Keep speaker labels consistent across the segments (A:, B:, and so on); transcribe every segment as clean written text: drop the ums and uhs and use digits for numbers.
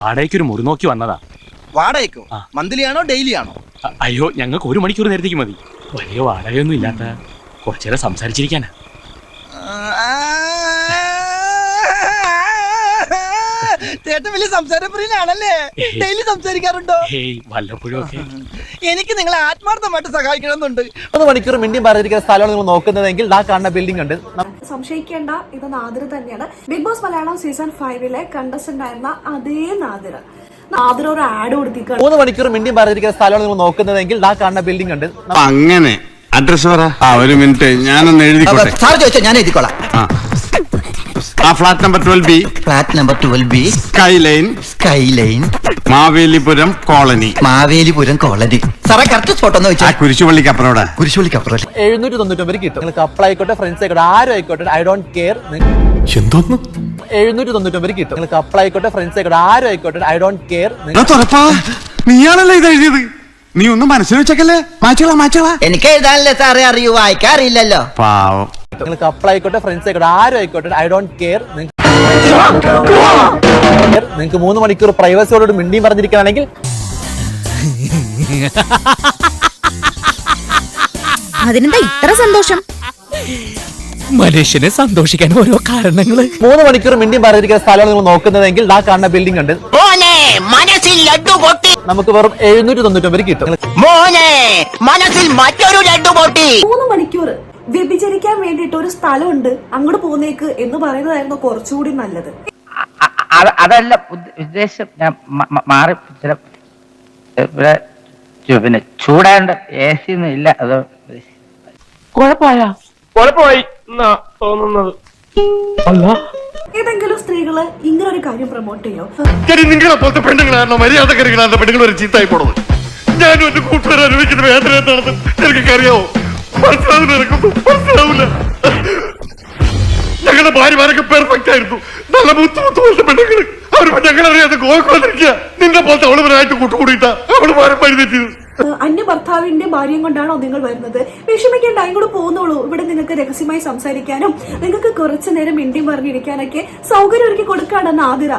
A: വാടകയ്ക്ക് ഒരു മുറി നോക്കി വന്നതാ.
B: വാടകയ്ക്കോ? മന്ത്ലി ആണോ ഡെയിലി ആണോ?
A: അയ്യോ, ഞങ്ങൾക്ക് 1 മണിക്കൂർ നേരത്തേക്ക് മതി. വലിയ വാടകയൊന്നും ഇല്ലാത്ത കുറച്ചേരം സംസാരിച്ചിരിക്കാനാ.
B: ചേട്ടൻ വലിയ സംസാരപ്രിയനാണല്ലേ? ഡെയിലി സംസാരിക്കാറുണ്ടോ?
A: വല്ലപ്പോഴും ഒക്കെ.
B: എനിക്ക് നിങ്ങളെ ആത്മാർത്ഥമായിട്ട് സഹായിക്കണമെന്നുണ്ട്.
C: 3 മണിക്കൂർ മിണ്ടിയും പറഞ്ഞിരിക്കുന്ന സ്ഥലമാണ് നിങ്ങൾ നോക്കുന്നതെങ്കിൽ ആ കാണുന്ന ബിൽഡിംഗ് ഉണ്ട്.
D: സംശയിക്കേണ്ട, ഇത് നാദിർ തന്നെയാണ്. Bigg Boss Malayalam season 5 contestant ആയിരുന്ന അതേ നാദിർ ഒരു ആഡ് കൊടുത്തിരിക്കുകയാണ്.
C: 3 മണിക്കൂർ മിണ്ടിയും പറഞ്ഞിരിക്കുന്ന സ്ഥലമാണ് നിങ്ങൾ നോക്കുന്നതെങ്കിൽ ആ കാണുന്ന ബിൽഡിംഗ് ഉണ്ട്.
E: അങ്ങനെ അഡ്രസ് പറ. ഒരു മിനിറ്റ്, ഞാനൊന്ന് എഴുതിക്കോട്ടെ.
F: സാർ ചോദിച്ചാൽ ഞാൻ എഴുതിക്കോളാം.
E: Flat number 12B.
F: Flat number 12B.
E: Sky line Mavelipuram colony. സാറേ കറക്റ്റ് സ്പോട്ട് ഒന്ന് വെച്ചാൽ കുരിശുപള്ളിക്ക് അപ്പുറം.
C: 799 കിട്ടും. നിങ്ങൾക്ക് കപ്പിൾ ആയിക്കോട്ടെ, ഫ്രണ്ട്സ് ആയിക്കോട്ടെ, ആരും ആയിക്കോട്ടെ, ഐ ഡോണ്ട് കെയർ. 799 കിട്ടും. നിങ്ങൾക്ക് കപ്പിൾ ആയിക്കോട്ടെ, ഫ്രണ്ട്സ് ആയിക്കോട്ടെ, ആരും ആയിക്കോട്ടെ, ഐ ഡോണ്ട് കെയർ.
E: നീയാണല്ലോ ഇത് എഴുതിയത്. നീ ഒന്നും മനസ്സിൽ വെച്ചേക്കല്ലേ. മാച്ചോളാ.
F: എനിക്ക് എഴുതാനല്ലേ സാറേ അറിയൂ, വായിക്കാൻ അറിയില്ലല്ലോ.
E: പാവം.
C: നിങ്ങൾ കപ്പിൾ ആയിക്കോട്ടെ, ഫ്രണ്ട്സ് ആയിക്കോട്ടെ, ആരും ആയിക്കോട്ടെ, ഐ ഡോണ്ട് കെയർ. നിങ്ങൾക്ക് 3 മണിക്കൂർ പ്രൈവസിയോട് മിണ്ടിയും പറഞ്ഞിരിക്കുകയാണെങ്കിൽ
G: അതിനെന്താ ഇത്ര സന്തോഷം?
H: മനുഷ്യനെ സന്തോഷിക്കാൻ ഓരോ കാരണങ്ങള്.
C: 3 മണിക്കൂർ മിണ്ടിയും പറഞ്ഞിരിക്കുന്ന സ്ഥലമാണ് നിങ്ങൾ നോക്കുന്നതെങ്കിൽ ആ കാണുന്ന ബിൽഡിംഗ് ഉണ്ട്. നമുക്ക് വെറും 799 കിട്ടും.
F: മനസ്സിൽ മറ്റൊരു
D: 3 മണിക്കൂർ വ്യഭിചരിക്കാൻ വേണ്ടിയിട്ട് ഒരു സ്ഥലമുണ്ട്, അങ്ങോട്ട് പോന്നേക്ക് എന്ന് പറയുന്നതായിരുന്നു കുറച്ചുകൂടി നല്ലത്.
I: അതല്ല ഉദ്ദേശം. ഞാൻ മാറി പിന്നെ ചൂടാണ്ട് AC ഒന്നും ഇല്ല. അത്
A: കുഴപ്പമായി തോന്നുന്നത്.
D: ഏതെങ്കിലും സ്ത്രീകള് ഇങ്ങനെ ഒരു കാര്യം പ്രൊമോട്ട് ചെയ്യോ?
E: നിങ്ങളെ പോലത്തെ പെണ്ണുങ്ങളാണോ മര്യാദക്കാരികളാണ് പെണ്ണുങ്ങൾ ഒരു ചീത്തായി പോണത്. ഞാനും എന്റെ കൂട്ടുകാർ അനുഭവിക്കുന്ന വേദന എന്താണെന്ന് എനിക്കറിയാവോ? മനസ്സിലാവില്ല. ഞങ്ങളുടെ ഭാര്യമാരൊക്കെ പെർഫെക്റ്റ് ആയിരുന്നു. നല്ല മുത്തുപോലത്തെ പെണ്ണുങ്ങള്. അവരിപ്പോ ഞങ്ങളറിയാതെ ഗോവന്നിരിക്കുക. നിന്റെ പോലത്തെ അവളുമാരായിട്ട് കൂട്ടുകൂടിയിട്ടാ അവള് മാറി പഴുതെറ്റിയത്.
D: അന്യ ഭർത്താവിന്റെ ഭാര്യയും കൊണ്ടാണോ നിങ്ങൾ വരുന്നത്? വിഷമിക്കേണ്ട, ഇങ്ങോട്ട് പോകുന്നുള്ളൂ. ഇവിടെ നിങ്ങൾക്ക് രഹസ്യമായി സംസാരിക്കാനും നിങ്ങൾക്ക് കുറച്ചു നേരം മിണ്ടിയും പറഞ്ഞിരിക്കാനൊക്കെ സൗകര്യം ഒരുക്കി കൊടുക്കാണ് നാദിറ.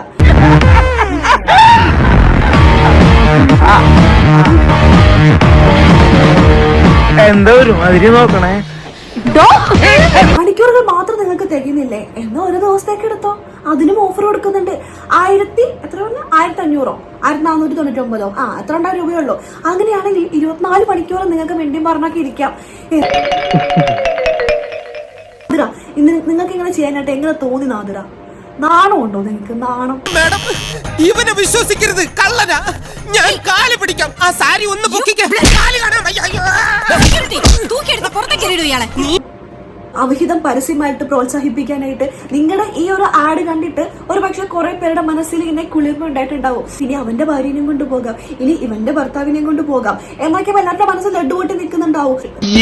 I: എന്തോ ഒരു മാതിരി നോക്കണേ.
D: മണിക്കൂറുകൾ മാത്രം നിങ്ങൾക്ക് തികയുന്നില്ലേ? എന്നാ ഒരു ദിവസത്തേക്ക് എടുത്തോ, അതിനും ഓഫർ കൊടുക്കുന്നുണ്ട്. 1500 1499 എത്ര രൂപയുള്ളൂ. അങ്ങനെയാണെങ്കിൽ 24 മണിക്കൂർ നിങ്ങൾക്ക് വേണ്ടിയും പറഞ്ഞൊക്കെ ഇരിക്കാം. നിങ്ങൾക്ക് ഇങ്ങനെ ചെയ്യാനായിട്ട് എങ്ങനെ തോന്നി നാദിറ? നാണം ഉണ്ടോ നിങ്ങൾക്ക്? നാണം?
H: ഇവനെ വിശ്വസിക്കരുത്, കള്ളനാ. ഞാൻ കാല് പിടിക്കാം. ആ സാരി ഒന്ന്
D: അവിഹിതം പരസ്യമായിട്ട് പ്രോത്സാഹിപ്പിക്കാനായിട്ട് നിങ്ങളുടെ ഈ ഒരു ആഡ് കണ്ടിട്ട് ഒരു പക്ഷെ കുറെ പേരുടെ മനസ്സിൽ ഇങ്ങനെ കുളിർമ ഉണ്ടായിട്ടുണ്ടാവും. ഇനി അവന്റെ ഭാര്യനെയും കൊണ്ട് പോകാം, ഇനി ഇവന്റെ ഭർത്താവിനെയും കൊണ്ട് പോകാം എന്നൊക്കെ എല്ലാവരുടെ മനസ്സിൽ ലഡുപൊട്ടി നിൽക്കുന്നുണ്ടാവും.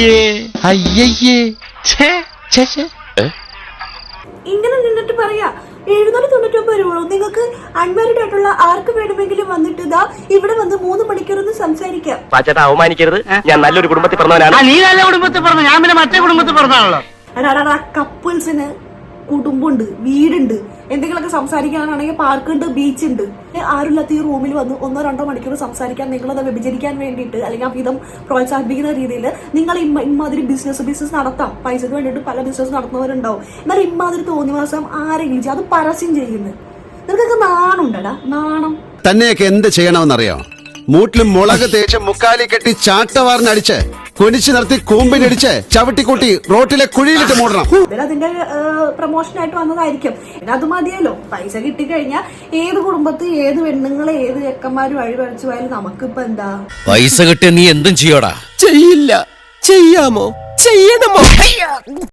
D: ഇങ്ങനെ നിന്നിട്ട് പറയാ 799 രൂപ നിങ്ങൾക്ക് അൺമാരിഡ് ആയിട്ടുള്ള ആർക്ക് വേണമെങ്കിലും വന്നിട്ട് ഇതാ ഇവിടെ വന്ന് 3 മണിക്കൂർ ഒന്ന് സംസാരിക്കാം.
A: അവമാനിക്കരുത്, ഞാൻ നല്ലൊരു കുടുംബത്തിൽ പറഞ്ഞവനാണ്.
I: നീ നല്ല കുടുംബത്തിൽ പറഞ്ഞു, ഞാൻ പിന്നെ മറ്റേ കുടുംബത്തിൽ പറഞ്ഞാണല്ലോ.
D: കപ്പിൾസിന് കുടുംബമുണ്ട്, വീടുണ്ട്, എന്തെങ്കിലുമൊക്കെ സംസാരിക്കാനാണെങ്കിൽ പാർക്കുണ്ട്, ബീച്ച് ഉണ്ട്. ആരുമില്ലാത്ത ഈ റൂമിൽ വന്ന് 1-2 മണിക്കൂർ സംസാരിക്കാൻ നിങ്ങളത് വ്യഭിചരിക്കാൻ വേണ്ടിയിട്ട് അല്ലെങ്കിൽ അവിധം പ്രോത്സാഹിപ്പിക്കുന്ന രീതിയിൽ നിങ്ങൾ ഇമ്മാതിരി ബിസിനസ് നടത്താം. പൈസക്ക് വേണ്ടിയിട്ട് പല ബിസിനസ് നടത്തുന്നവരുണ്ടാവും. എന്നാൽ ഇമ്മാതിരി തോന്നിവാസം ആരെങ്കിലും അത് പരസ്യം ചെയ്യുന്നത് നിങ്ങൾക്കൊക്കെ നാണുണ്ടടാ, നാണം.
J: തന്നെയൊക്കെ എന്ത് ചെയ്യണമെന്നറിയോ? മൂട്ടിലും മുളക് തേച്ച് മുക്കാലി കെട്ടി ചാട്ടവാറിനടിച്ച് കൊനിച്ചു നിർത്തി കൂമ്പിനടിച്ച് ചവിട്ടിക്കൂട്ടി റോട്ടിലെ കുഴിയിലിട്ട് മൂടണം.
D: അതിന്റെ പ്രൊമോഷനായിട്ട് വന്നതായിരിക്കും. അത് മതിയല്ലോ. പൈസ കിട്ടിക്കഴിഞ്ഞാൽ ഏത് കുടുംബത്ത് ഏത് പെണ്ണുങ്ങളെ ഏത് ചെക്കന്മാരും അഴിവഴിച്ചു പോയാലും നമുക്കിപ്പോ എന്താ?
H: പൈസ കിട്ടിയ നീ എന്തും ചെയ്യോടാ? ചെയ്യില്ല. ചെയ്യാമോ? ചെയ്യണമോ?